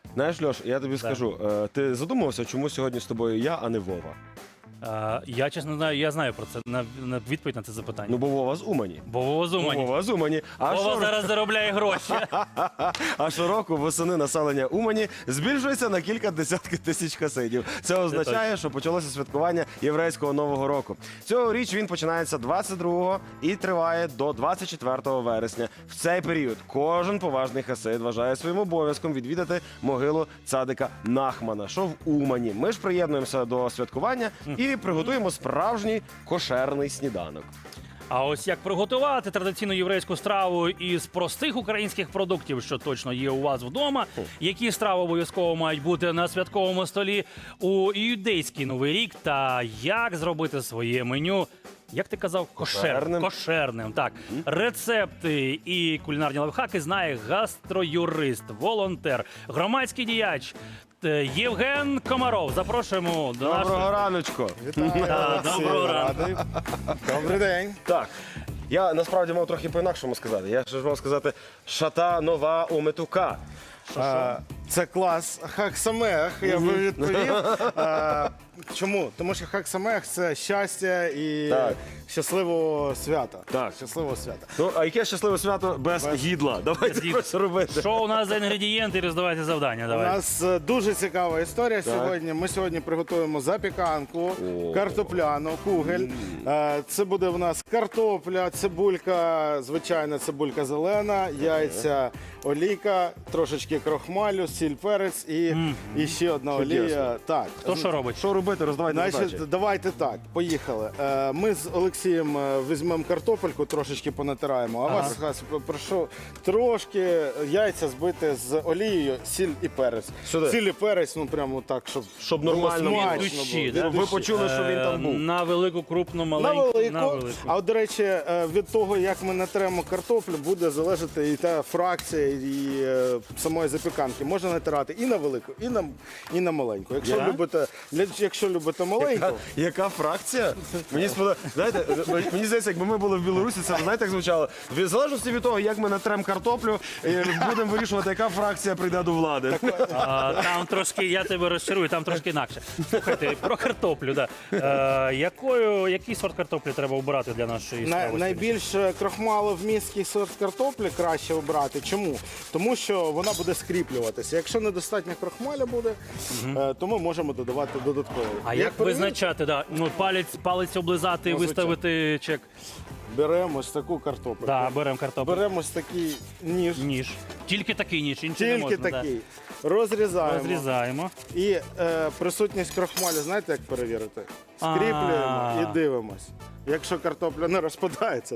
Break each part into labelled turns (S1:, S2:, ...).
S1: Знаєш, Льош, я тобі скажу, ти задумався, чому сьогодні з тобою я, а не Вова?
S2: Я, чесно, знаю, я знаю про це, на відповідь на це запитання.
S1: Ну, бо Вова з Умані.
S2: Бо Вова з Умані.
S1: Вова з Умані.
S2: Вова зараз заробляє гроші.
S1: А щороку восени населення Умані збільшується на кілька десятків тисяч хасидів. Це означає, що почалося святкування єврейського Нового року. Цьогоріч він починається 22-го і триває до 24 вересня. В цей період кожен поважний хасид вважає своїм обов'язком відвідати могилу цадика Нахмана, що в Умані. Ми ж приєднуємося до святкування і приготуємо справжній кошерний сніданок.
S2: А ось як приготувати традиційну єврейську страву із простих українських продуктів, що точно є у вас вдома, які страви обов'язково мають бути на святковому столі у юдейський Новий рік, та як зробити своє меню, як ти казав, кошерним. Так, рецепти і кулінарні лайфхаки знає гастроюрист, волонтер, громадський діяч Євген Комаров. Запрошуємо до нашого...
S1: Доброго раночку!
S2: Доброго ранку.
S3: Добрий день.
S1: Так, я насправді мав трохи по-інакшому сказати. Я ж мав сказати «Шата нова у метука».
S3: Це клас. Хак Самех, я би відповів. Чому? Тому що Хак Самех – це щастя і
S1: Так.
S3: щасливого свята.
S1: Так.
S3: Щасливого свята.
S1: Ну, а яке щасливе свято без гідла? Давайте щось робити.
S2: Що у нас за інгредієнти і роздавайте завдання?
S3: У
S2: Давай.
S3: нас дуже цікава історія сьогодні. Ми сьогодні приготуємо запіканку, картопляну, кугель. Це буде в нас картопля, цибулька, звичайна цибулька зелена, яйця, олійка, трошечки крохмалю, сіль, перець і ще одна олія. Так.
S2: Хто що робить?
S1: Що робити? Роздавайте задачі.
S3: Значить, давайте так, поїхали. Ми з Олексієм візьмемо картопельку, трошечки понатираємо, а вас прошу трошки яйця збити з олією, сіль і перець.
S1: Сюди.
S3: Сіль і перець, ну прямо так, щоб
S1: нормально було.
S3: смачно
S2: Від душі,
S3: було.
S2: да?
S1: Ви почули, що він там був.
S2: На велику, крупну,
S3: На
S2: маленьку.
S3: велику. А от, до речі, від того, як ми натремо картоплю, буде залежати і та фракція, і самої запіканки. Можна натирати і на велику, і на маленьку. Якщо любите маленьку,
S1: Яка фракція? Мені сподобається. Знаєте, мені здається, якби ми були в Білорусі, це знаєте, як звучало? В залежності від того, як ми натрем картоплю, будемо вирішувати, яка фракція прийде до влади.
S2: Там трошки, я тебе розчарую, там трошки інакше. Слухайте, про картоплю, да. Який сорт картоплі треба обирати для нашої страви?
S3: найбільш крохмаловмісткий сорт картоплі краще обрати. Чому? Тому що вона буде скріплюватися. Якщо недостатньо крохмаля буде, то ми можемо додавати додатково.
S2: А як визначати, да? Ну, палець облизати і виставити чек?
S3: Беремо ось таку картоплю.
S2: Да, беремо картоплю.
S3: Беремо ось такий ніж.
S2: Ніж. Тільки такий ніж, інший не
S3: Тільки
S2: можна.
S3: такий.
S2: Да.
S3: Розрізаємо.
S2: Розрізаємо.
S3: І присутність крохмалю, знаєте, як перевірити? Скріплюємо і дивимось. Якщо картопля не розпадається,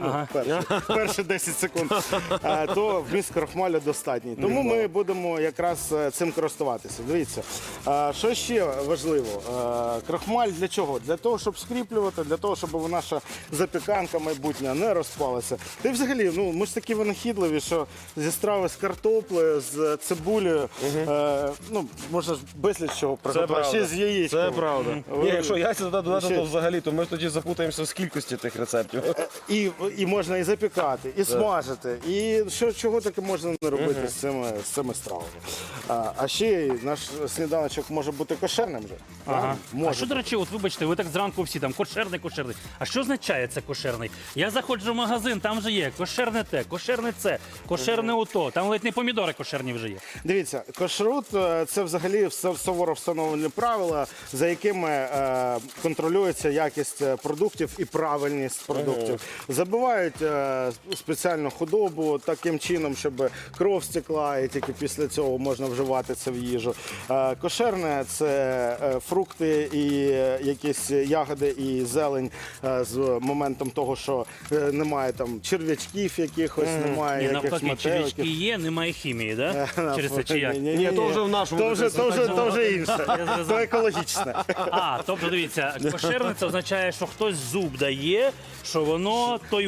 S3: перші 10 секунд, то вміст крохмалю достатній. Тому ми будемо якраз цим користуватися. Дивіться, що ще важливо? Крохмаль для чого? Для того, щоб скріплювати, для того, щоб наша запіканка майбутня не розпалася. Та й взагалі, ну, ми ж такі винахідливі, що зі страви з картоплею, з цибулею, ну, можна ж безліч чого приготувати. Ще з яєчком.
S1: Це правда. Ні, якщо яйця додати, то взагалі, то ми тоді запутаємося в кількості тих рецептів.
S3: І можна і запікати, і смажити, і чого таке можна не робити з цими стравами. А ще й наш сніданочок може бути кошерним вже.
S2: А що, до речі, от вибачте, ви так зранку всі там кошерний. А що означає це кошерний? Я заходжу в магазин, там же є кошерне те, кошерне це, кошерне ото. Там ледь не помідори кошерні вже є.
S3: Дивіться, кошрут – це взагалі суворо встановлені правила, за якими контролюється якість продуктів і правильність продуктів. Забивають спеціальну худобу таким чином, щоб кров стекла, і тільки після цього можна вживати це в їжу. Кошерне – це фрукти і якісь ягоди і зелень з моментом того, що немає там черв'ячків якихось, немає якихось
S2: Навпаки, червячки
S3: метеликів.
S2: є, немає хімії, да? Через це чи як?
S1: Ні, то вже в нашому.
S3: То вже інше, то екологічне.
S2: Тобто, дивіться, кошерне це означає, що хтось зуб дає, що воно тойво.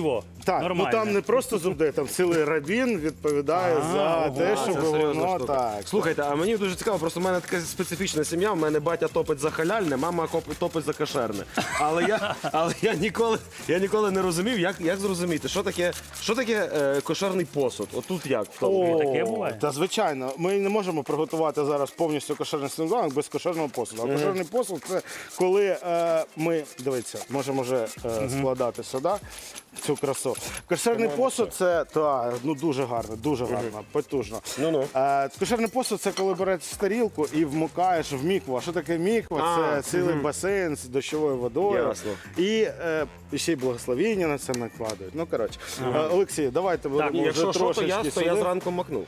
S3: Так,
S2: Нормально.
S3: ну там не просто зубди, там цілий рабін відповідає за те, щоб
S1: Це серйозна
S3: воно
S1: штука.
S3: так.
S1: Слухайте, а мені дуже цікаво, просто в мене така специфічна сім'я, в мене батя топить за халяльне, мама топить за кошерне. Але я ніколи не розумів, як зрозуміти, що таке кошерний посуд. Отут як?
S2: таке буває?
S3: Та звичайно, ми не можемо приготувати зараз повністю кошерний сніданок без кошерного посуду. А кошерний посуд це коли ми, дивіться, можемо вже складати сюди цю красу. Кошерний посуд це дуже гарно, потужно.
S1: Ну-ну.
S3: Кошерний посуд це коли береш тарілку і вмикаєш в мікву. А що таке міква? Це цілий басейн з дощовою водою.
S1: Ясно.
S3: І ще й благословіння на це накладають. Ну, коротше. Олексій, давайте будемо вже
S1: Якщо що, то
S3: трошечки
S1: то я
S3: сюди.
S1: зранку макнув.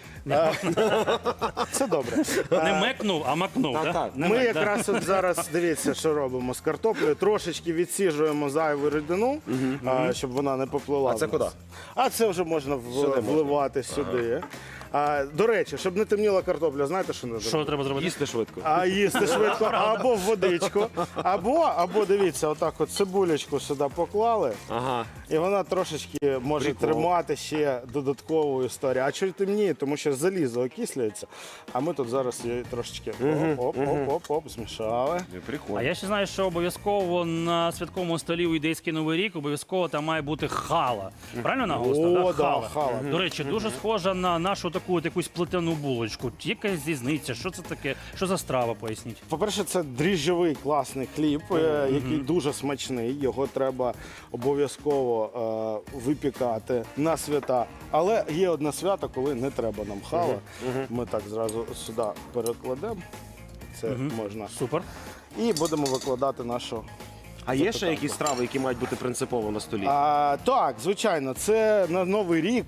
S3: Це добре.
S2: Не мекнув, а макнув,
S1: Так,
S2: да?
S1: так.
S2: Не
S3: Ми
S2: мек, да.
S3: якраз от зараз, дивіться, що робимо з картоплею. Трошечки відсіжуємо зайву рідину, щоб вона не поплила.
S1: А це
S3: в нас.
S1: куди?
S3: А це вже можна вливати сюди. До речі, щоб не темніла картопля, знаєте, що не
S2: Що треба зробити?
S1: Їсти швидко.
S3: А їсти швидко або в водичку, або дивіться, отак от цибулечку сюди поклали,
S1: Ага.
S3: і вона трошечки може
S1: Прикол.
S3: тримати ще додаткову історію. А чого темніє? Тому що залізо окислюється, а ми тут зараз її трошечки оп, змішали.
S1: Прикольно.
S2: А я ще знаю, що обов'язково на святковому столі у ідейський Новий рік обов'язково там має бути хала. Правильно наголосив?
S3: О, да, хала.
S2: До речі, дуже схожа на нашу таку от якусь плетену булочку. Якась різниця, що це таке? Що за страва, поясніть?
S3: По-перше, це дріжджовий класний хліб, який дуже смачний. Його треба обов'язково випікати на свята. Але є одне свято, коли не треба нам хала. Ми так зразу сюди перекладемо. Це можна.
S2: Супер.
S3: І будемо викладати нашу.
S1: А є ще якісь страви, які мають бути принципово на столі?
S3: Так, звичайно, це на Новий рік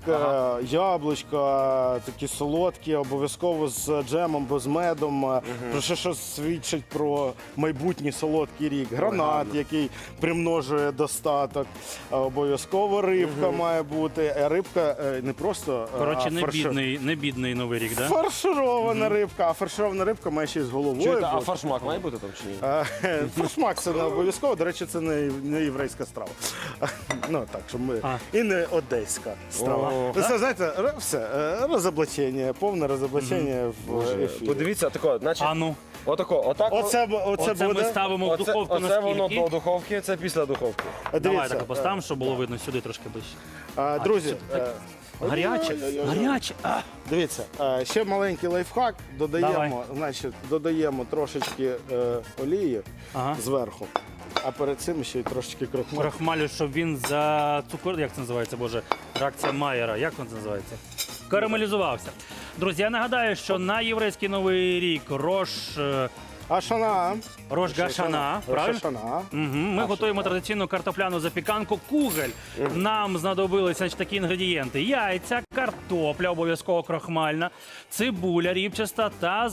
S3: яблучка, такі солодкі, обов'язково з джемом, бо з медом, про що свідчить про майбутній солодкий рік. Гранат, який примножує достаток, обов'язково рибка має бути. Рибка не просто
S2: Коротше, не бідний Новий рік, да?
S3: фарширована рибка, а фарширована рибка має ще й з головою.
S1: Чуєте, а
S3: бути.
S1: фаршмак має бути там чи ні?
S3: Фаршмак це не обов'язково. До речі, це не єврейська страва. Ну так, що ми і не одеська страва.
S1: О.
S3: Ви це знаєте, все розоблачення, повне розоблачення в ефірі.
S1: Подивіться, тако, значить,
S2: А ну,
S1: отак.
S3: Оце
S2: оце ми
S3: буде.
S2: ставимо в духовку
S1: Оце воно
S2: наскільки?
S1: до духовки, це після духовки.
S2: Давай
S3: Дивіться,
S2: так поставимо, щоб було видно сюди трошки ближче.
S3: друзі,
S2: Гаряче, гаряче.
S3: дивіться, ще маленький лайфхак. Додаємо трошечки олії
S2: Ага.
S3: зверху, а перед цим ще й трошечки крохмалю.
S2: Крахмалю, щоб він за цукор, як це називається, боже, реакція Майера, як він це називається? Карамелізувався. Друзі, я нагадаю, що на єврейський Новий рік Рош Гашана, правильно?
S3: Шана.
S2: Ми готуємо традиційну картопляну запіканку кугель. Нам знадобилися значить, такі інгредієнти: яйця, картопля, обов'язково крохмальна, цибуля рібчаста та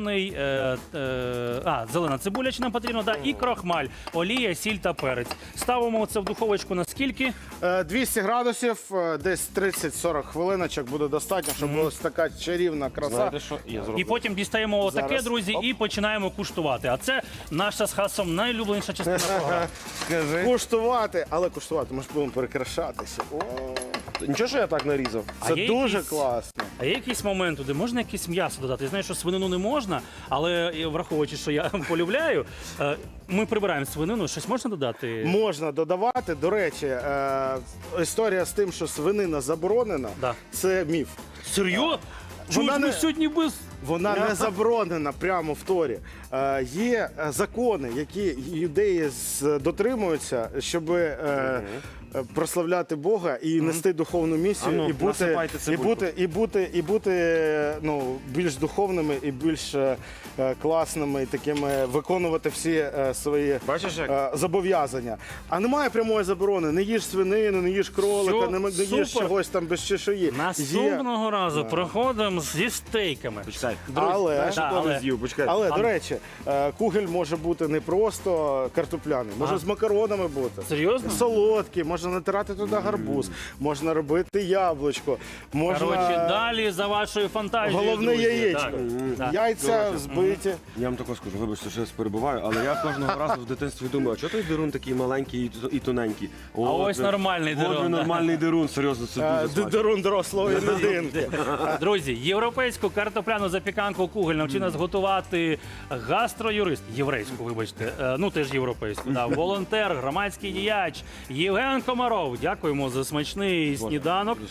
S2: зелена цибуля, чи нам потрібно, да, і крохмаль, олія, сіль та перець. Ставимо це в духовочку на скільки?
S3: 200 градусів, десь 30-40 хвилиночок буде достатньо, щоб була така чарівна краса.
S1: Знаєте що? Я зроблю.
S2: І потім дістаємо отаке,
S3: Зараз.
S2: друзі, і починаємо куштувати. А це наша з Хасом найулюбленіша частина програми.
S1: Скажи.
S3: Куштувати, але куштувати, ми ж будемо перекрашатися. О,
S1: Нічого, що я так нарізав?
S3: це
S2: є
S3: дуже
S2: якісь-
S3: класно.
S2: А є якийсь момент, де можна якесь м'ясо додати? Я знаю, що свинину не можна, але враховуючи, що я полюбляю, ми прибираємо свинину, щось можна додати?
S3: Можна додавати. До речі, історія з тим, що свинина заборонена,
S2: Да.
S3: це міф.
S2: Серйозно?
S3: Вона
S2: Чуть ми
S3: не-
S2: сьогодні без...
S3: Вона не заборонена прямо в Торі. Є закони, які юдеї дотримуються, щоб прославляти Бога і нести духовну місію,
S1: А ну, насипайте цибульку.
S3: і бути більш духовними і більш класними, і такими виконувати всі свої
S1: Бачиш, як?
S3: зобов'язання. А немає прямої заборони. Не їж свинину, не їж кролика,
S2: Все,
S3: не їж
S2: супер.
S3: чогось там без чешуї.
S2: Наступного разу проходимо зі стейками.
S1: Почекайте,
S2: Так, друзі,
S3: Але-
S1: Знаєш,
S2: да,
S1: що
S2: але-
S1: не з'їв? Почекай.
S3: Але, до речі, кугель може бути не просто картопляний, може з макаронами бути.
S2: Серйозно?
S3: Солодкий, можна натирати туди гарбуз, можна робити яблучко, можна
S2: Коротше, далі за вашою фантазією.
S3: головне
S2: друзі.
S3: яєчко.
S2: Так.
S3: Яйця збиті.
S1: Я вам також скажу, вибачте, що я перебуваю, але я кожного разу в дитинстві думаю, а чого той дерун такий маленький і тоненький?
S2: ось нормальний дерун,
S1: От
S2: да.
S1: нормальний дерун, серйозно, це дуже смачно.
S3: Дерун дорослої людинки.
S2: Друзі, європейську картопляну запіканку кугель навчив нас готувати гастроюрист, єврейську, вибачте, ну теж європейську, да, волонтер, громадський діяч Євген Комаров. Дякуємо за смачний сніданок.